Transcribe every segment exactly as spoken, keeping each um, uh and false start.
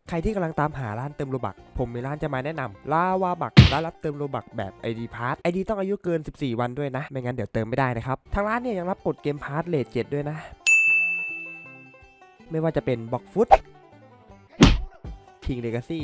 ใครที่กำลังตามหาร้านเติมโลบักผมมีร้านจะมาแนะนำลาวาบักร้านรับเติมโลบักแบบ ไอ ดี Pass ไอ ดี ต้องอายุเกินสิบสี่วันด้วยนะไม่งั้นเดี๋ยวเติมไม่ได้นะครับทางร้านเนี่ยยังรับกดเกมพาร์ทเลทเจ็ดด้วยนะไม่ว่าจะเป็นบ็อกฟุตคิงเลกาซี่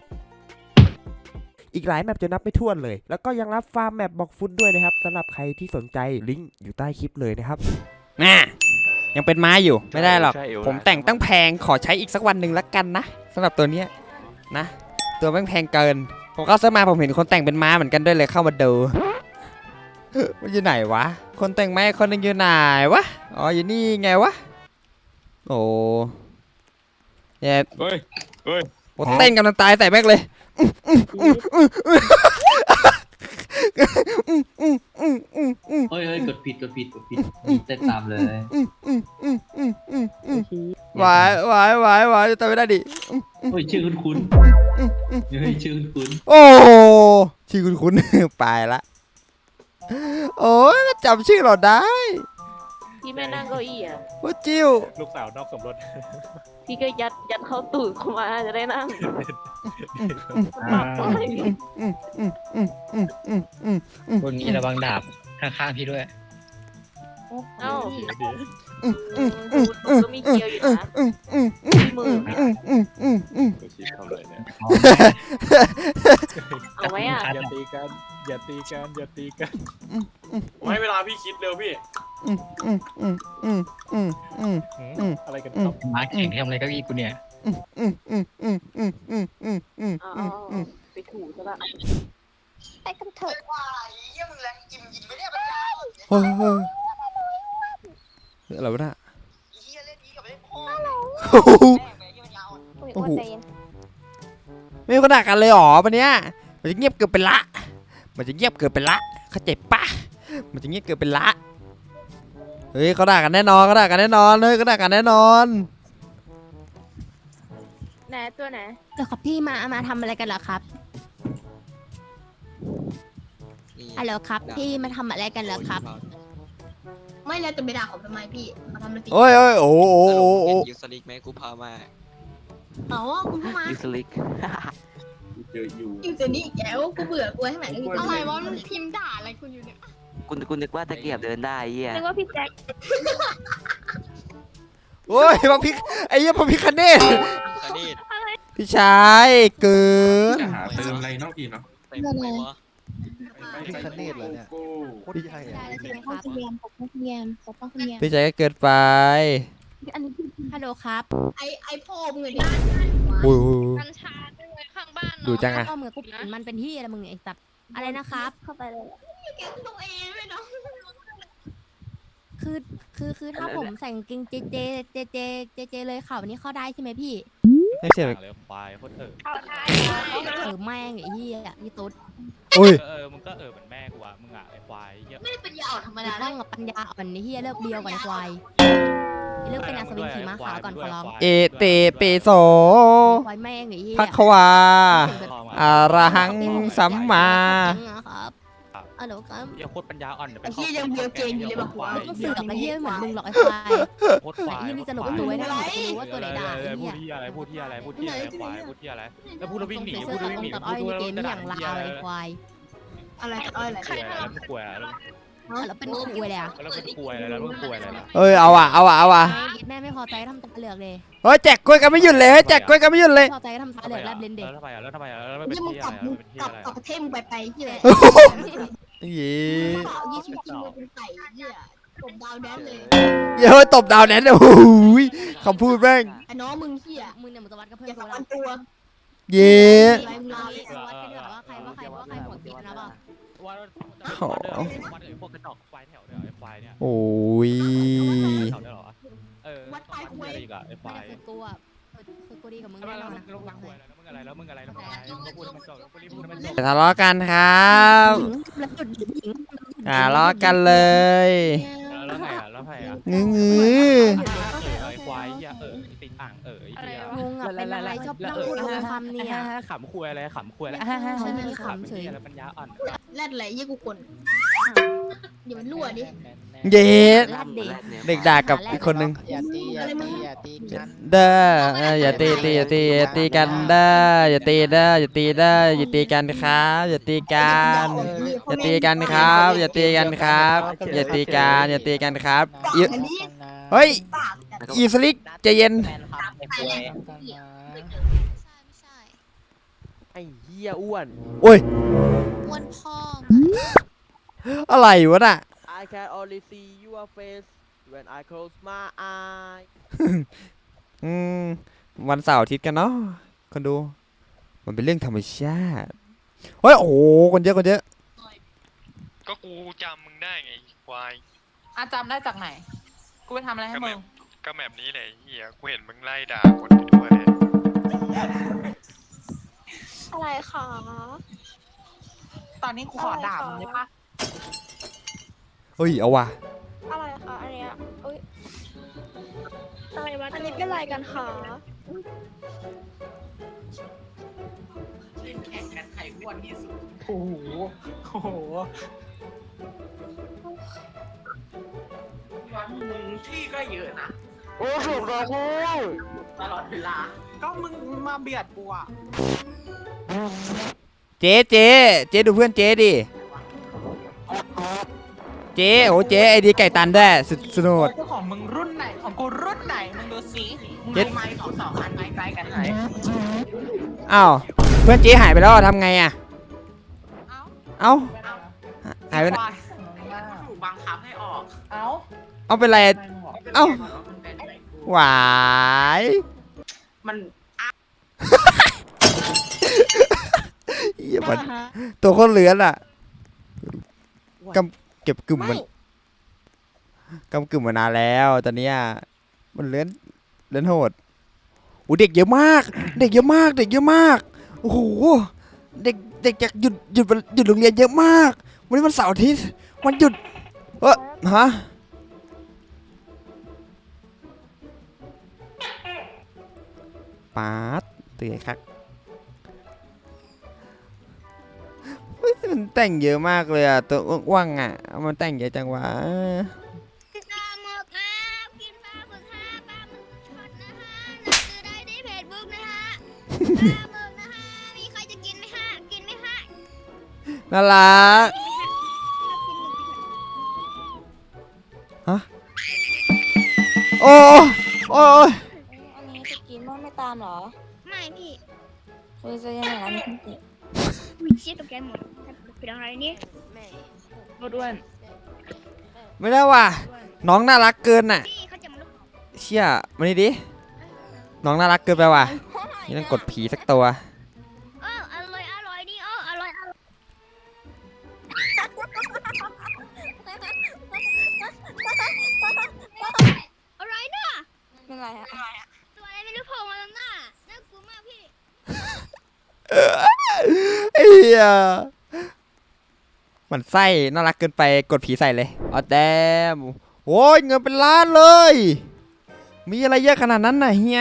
อีกหลายแมปจะนับไม่ถ้วนเลยแล้วก็ยังรับฟาร์มแมปบ็อกฟุตด้วยนะครับสำหรับใครที่สนใจลิงก์อยู่ใต้คลิปเลยนะครับน่ะยังเป็นไม้อยู่ไม่ได้หรอกผมแต่งตั้งแพงขอใช้อีกสักวันหนึ่งละกันนะสำหรับตัวเนี้ยนะตัวแม่งแพงเกินผมเข้าเซิร์ฟมาผมเห็นคนแต่งเป็นม้าเหมือนกันด้วยเลยเข้ามาดูมันอยู่ไหนวะคนแต่งไม้คนนึงอยู่ไหนวะอ๋ออยู่นี่ไงวะโอ้เนี่ยเฮ้ยเฮ้ยเต้นกำลังตายใส่แม่งเลยเฮ้ยเฮ้ยกดผิดกดผิดกดผิดเต้นตามเลยหวายหวายหวายหวายแต่ไม่ได้ดิเฮ้ยชื่อคุ้นคุ้นเฮ้ยชื่อคุ้นคุ้นโอ้ชื่อคุ้นคุ้นไปละโอ้ยมาจำชื่อเราได้พี่แม่นั่งเก้าอี้อ่ะว่าจิวลูกสาวนอกสมรสพี่ก็ยัดยัดเข้าตูดเข้ามาจะได้นั่งคนนี้ระวังดาบข้างๆพี่ด้วยเอ้าก็มีเกียวอยู่นะที่มือเอาไว้อ่ะอย่าตีกันอย่าตีกันอย่าตีกันให้เวลาพี่คิดเร็วพี่อะไรกันครับมาแข่งทำอะไรก็อีกูเนี่ยไปถูซะละไปกันเถอะว่าเยี่ยมแรงจิ้มยิงไม่ได้ปัญญาเฮ้ยเฮ้ยอะไรวะน่ะเฮียเล่นดีกับเล่นพ่อโอ้โหไม่ขนาดกันเลยหรอปะเนี้ยมันจะเงียบเกินไปละมันจะเงียบเกินไปละเข้าใจปะมันจะเงียบเกินไปละเฮ้ยเขาด่ากันแน่นอนเขาด่ากันแน่นอนเฮ้ยเขาด่ากันแน่นอนไหนตัวไหนเดี๋ยวครับพี่มามาทำอะไรกันเหรอครับฮัลโหลครับพี่มาทำอะไรกันเหรอครับไม่แล้วจะไปด่าเขาทำไมพี่มาทำอะไรโอ้ยโอ้ยโอ้โอ้โอ้ยูสลิกไหมกูพามาอ๋อกูพามายูสลิกเจออยู่อยู่เจนี่อีกแล้วกูเบื่อกูให้ไหนอะไรวะมันพิมพ์ด่าอะไรคุณอยู่เนี่ยคุณคุณนึกว่าตะเกียบเดินได้เหี้ยนึกว่าพี่แจ็คโอ้ยพระพิกไอ้เหี้ยพระพิคเนตพี่ชายเกินจะหาเติมอะไรนอกอีกเนาะเต็มไปวะพิคเนตเลยเนี่ยพี่ชายครับพี่ชายก็เกินไปฮัลโหลครับไอไอพ่อมึงเนี่ยโอ้ยกัญชาด้วยข้างบ้านดูจังอะเอามือกูมันเป็นที่อะไรมึงไอ้สัตว์อะไรนะครับเข้าไปเลยแกตัวเองไม่เนาะคือคือคือถ้าผมใส่กางเกงเจเจเจเจเจเจเลยข่าววันนี้เข้าได้ใช่ไหมพี่ไม่ใช่เลยควายโคตรเออเออแม่งไอ้เหี้ยนี่ตุ๊ดอุ้ยเออมึงก็เออเหมือนแม่กูอ่ะมึงอ่ะไอ้ควายเยอะไม่ได้ปัญญาอ่อนธรรมดาต้องกับปัญญาอ่อนไอ้เหี้ยเลิกเบียวก่อนควายเลิกเป็นอัศวินขี่ม้าขาวก่อนขอร้องเอเตเปโซควายแม่งไอ้เหี้ยพักขวาอาระหังสัมมาครับอ๋อเหรอครับอย่าโคตรปัญญาอ่อนไอ้เหี้ยยังเบียวเกงอยู่เลยบอกว่าต้องสื่อกับไอ้เหี้ยเหมือนมึงหรอกไอ้ควายโคตรควายไอ้เหี้ยนี่จะหลบตัวไว้ได้รู้ว่าตัวไหนด่าไอ้เหี้ยพูดที่อะไรพูดที่อะไรพูดที่อะไรควายพูดที่อะไรแล้วพูดแล้ววิ่งหนีพูดแล้ววิ่งหนีตัดอ้อยในเกมนี่อย่างลาวไอ้ควายอะไรตัดอ้อยอะไรใครทำแล้วมึงกลัวแล้วแล้วเป็นคุยเลยอ่ะแล้วมึงกลัวอะไรแล้วมึงกลัวอะไรล่ะเอ้ยเอาอ่ะเอาอ่ะเอาอ่ะแม่ไม่พอใจทำตาเหลือกเลยเฮ้ยแจกกล้วยกันไม่หยุดเลยเฮ้ยแจกกล้วยกันไม่หยุดเลยพอใจทำตาเหลือกแลบเลนเด็กแล้วทำไมอ่ะแล้วทำไมอ่ะแล้วไม่เป็นที่กลับอะไรกลับกลับประเทศมึงไปไปที่ไหนยี่ยี่ชิวชิวเป็นไก่เนี่ยตบดาวแดนเลยเย้ยตบดาวแดนโอ้ยคำพูดแม่งไอ้น้องมึงเหี้ยมึงเนี่ยมึงจะวัดกับเพื่อนกูละตัวเย้วัดกันดีกว่าว่าใครว่าใครว่าใครหัวกินนะป่ะวันวันไอ้พวกกระจอกควายแถวเดียวไอ้ควายเนี่ยโอ้ยเออวัดควายควายอีกอ่ะไอ้ควายคือกูอ่ะคือกูดีกับมึงแน่นอนนะแล้วมึงอะไรแล้วมึงอะไรแล้วมึงอะไรแล้วมึงพูดมันจบแล้วพูดมันจบทะเลาะกันครับทะเลาะกันเลยแล้วไงอ่ะแล้วไงอ่ะงื้อไอ้ควายเหี้ยเออติดอ่างเออไอ้เหี้ยงงอ่ะเป็นอะไรชอบนั่งพูดลงคำเนี่ยขำคุยอะไรขำคุยอะไรเขาไม่มีขำเฉยอะไรปัญญาอ่อนแรดอะไรยี่กูคนเดี๋ยวมันรั่วดิเย็ดเด็กด่ากับอีกคนนึงอย่าตีอะไรมึงอย่าตีกันเด้ออย่าตีตีอย่าตีอย่าตีกันเด้ออย่าตีเด้ออย่าตีเด้ออย่าตีกันครับอย่าตีกันอย่าตีกันครับอย่าตีกันครับอย่าตีกันอย่าตีกันครับอีเฮ้ยอีสลิกใจเย็นแฟนคลับไอ้ป่วยไอ้เหี้ยอ้วนโอ้ยอ้วนพ่ออะไรวะน่ะ I can only see your face when I close my eyes อืมวันเสาร์อาทิตย์กันเนาะคนดูมันเป็นเรื่องธรรมชาติเฮ้ยโอ้โหคนเยอะคนเยอะก็กูจำมึงได้ไงควายอาจำได้จากไหน กูไปทำอะไรให้มึงก็แบบนี้แหละเฮียกูเห็นมึงไล่ด่าคนไปทั่วเลยอะไรคะตอนนี้กูขอด่ามึงได้ปะเฮ้ยเอาว่ะอะไรคะอันเนี้ยเอ้ยอะไรวะอันนี้เป็นอะไรกันคะเล่นแข่งกันใครอ้วนที่สุด โอ้โห โอ้โหวันมึงที่ก็เยอะนะโอ้โหรอกูตลอดเวลา ก็มึงมาเบียดกูอ่ะเจ๊เจ๊เจ๊ดูเพื่อนเจ๊ดิเจ๊โอ้เจ๊ไอดีไก่ตันด้วยสุดสนุกเจ้าของมึงรุ่นไหน ของกูรุ่นไหน มึงดูสิมึงเจ็ดดูไม้ของสองอันไม้ใกล้กันไหนอ้าวเพื่อนเจ๊หายไปแล้วอะทำไงอะเอ้าเอ้าหายไปไหนควถูกบังคับให้ออก เอ้าเอาเป็นไรเอ้ามันเป็นอะไรกูหวายมันเหี้ยมันตัวคนเหลือนอะกำเก็บกึ่มมันกำกึ่มมานานแล้วตอนเนี้ยมันเลื้อนเลื้อนโหดโอ้เด็กเยอะมาก เด็กเยอะมาก เด็กเยอะมากโอ้โหเด็กเด็กจากหยุดหยุดหยุดโรงเรียนเยอะมากวันนี้วันเสาร์อาทิตย์วันหยุดเออฮะป๊าดเตื่อยครับเฮ้ยมันแต่งเยอะมากเลยอ่ะตัวอ้วนๆอ่ะมันแต่งเยอะจังวะปลาหมึกครับกินปลาหมึกฮะปลาหมึกช็อตนะฮะหนังสือได้ที่เพจบุ๊กนะฮะปลาหมึกนะฮะมีใครจะกินไหมฮะกินไหมฮะน่ารักฮะโอ้โอ้ยอันนี้จะกินบ้างไม่ตามเหรอไม่พี่คือจะยังไงอันนี้คุณติอุ้ยเชี่ยตกใจหมดเป็นอะไรเนี่ยด้วนไม่ได้ว่ะน้องน่ารักเกินน่ะพี่เขาจะมาลุกเชี่ยมานี่ดิน้องน่ารักเกินไปว่ะนี่ต้องกดผีสักตัวเอออร่อยอร่อยนี่เอออร่อยอร่อยอะไรนะเป็นไรอะตัวอะไรไม่รู้โผล่มาตรงหน้าน่ากลัวมากพี่ไอ้เหี้ยมันไส้น่ารักเกินไปกดผีใส่เลยอ๋อแดมโอ้ยเงินเป็นล้านเลย มีอะไรเยอะขนาดนั้นน่ะเฮีย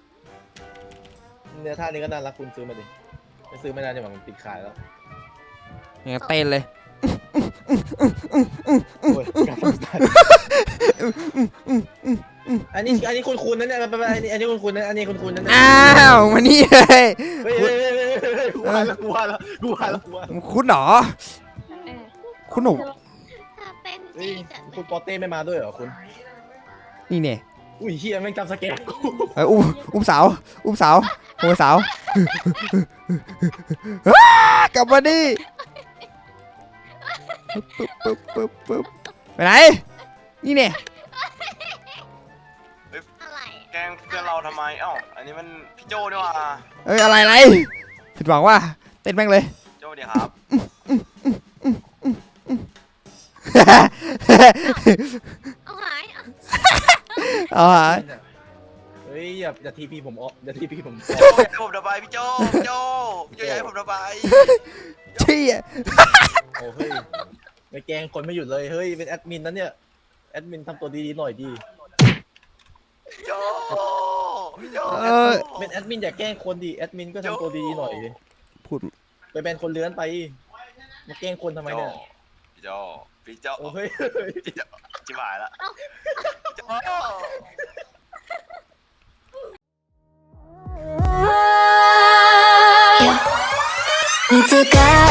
เนี่ยท่านี้ก็น่ารักคุณซื้อมาดิไม่ซื้อไม่ได้เนี่ยมันปิดขายแล้วเนี่ยเต้นเลยโอ้ยการสงสารอันนี้อันนี้คุณคุณนั่นเนี่ยไปไปอันนี้อันนี้คุณคุณนั่นอันนี้คุณคุณนั่นอ้าวมานี่เลยเฮ้ยเฮ้ยเฮ้ยเฮ้ยกูว่าแล้วกูว่าแล้วกูว่าแล้วกูว่าแล้วคุณเหรอคุณหนูเป็นเฮ้ยจีคุณปอเต้ไม่มาด้วยเหรอคุณนี่เนี่ยอุ้ยเฮียแม่งจำสแกนกูเอ้ยอุ้มอุ้มสาวอุ้มสาวอุ้มสาวอ้ากลับมาดิปึ๊บปึ๊บปึ๊บปึ๊บไปไหนนี่เนี่ยอะไรแกงเพื่อนเราทำไมเอ้าอันนี้มันพี่โจด้วยว่ะเอ้ยอะไรอะไรผิดหวังว่าเต้นแม่งเลยโจเดียครับเอาหายเอาหายเฮ้ยอย่าอย่าทีพีผมออกอย่าทีพีผมโจอย่าให้ผมระบายพี่โจพี่โจพี่โจอย่าให้ผมระบายเชี่ยโอ้เฮ้ยไปแกงคนไม่หยุดเลยเฮ้ยเป็นแอดมินนั้นเนี่ยแอดมินทำตัวดีๆหน่อยดีพี่โจพี่โจเออเป็นแอดมินอย่าแกล้งคนดีแอดมินก็ทำตัวดีๆหน่อยพูดไปแบนคนเลื้อนไปมาแกล้งคนทำไมเนี่ยพี่โจพี่โจโอ้เฮ้ยพี่โจจิ๋วหายละพี่โจいつか